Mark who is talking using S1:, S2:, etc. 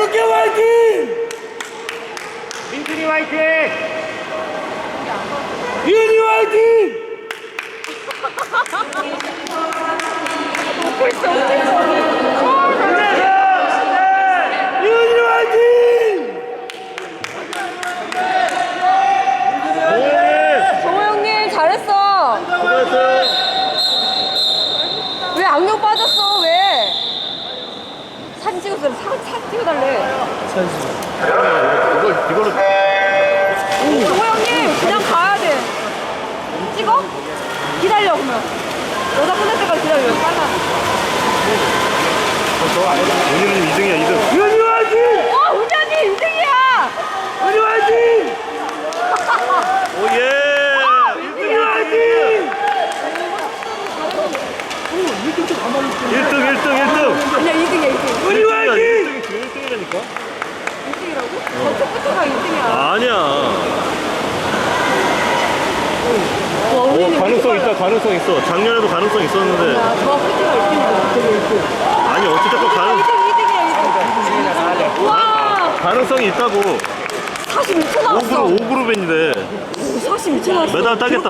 S1: 이렇게 화이팅!
S2: 민준이 화이팅!
S1: 윤이 화이팅!
S3: 먹고 있어.
S1: 윤이 화이팅!
S3: 정호 형님 잘했어. 왜 악력 빠졌어? 왜? 사진 찍었어. 사진 찍어달래.
S2: 이거를
S3: 정호 형님 그냥 가야 돼. 찍어? 기다려 그러면. 여자 끝날 때까지 기다려. 빨라.
S2: 오늘은 2등이야 2등.
S1: 윤이 화이팅!
S3: 우장님 2등이야.
S1: 윤이 화이팅!
S2: 오예.
S1: 윤이 화이팅!
S2: 1등.
S3: 아니야 2등이야 2등.
S1: 윤이 화이팅!
S2: 1등이라니까?
S3: 2등이라고? 저쪽부터가 2등이야.
S2: 아니야. 가능성 있어. 작년에도 가능성 있었는데.
S3: 저 끝이가 1등이야.
S2: 아니 어쨌든
S3: 2등이야 2등. 와
S2: 가능성이 있다고.
S3: 42초 나왔어.
S2: 5그룹인데
S3: 42초 나왔어.
S2: 메달 따겠다.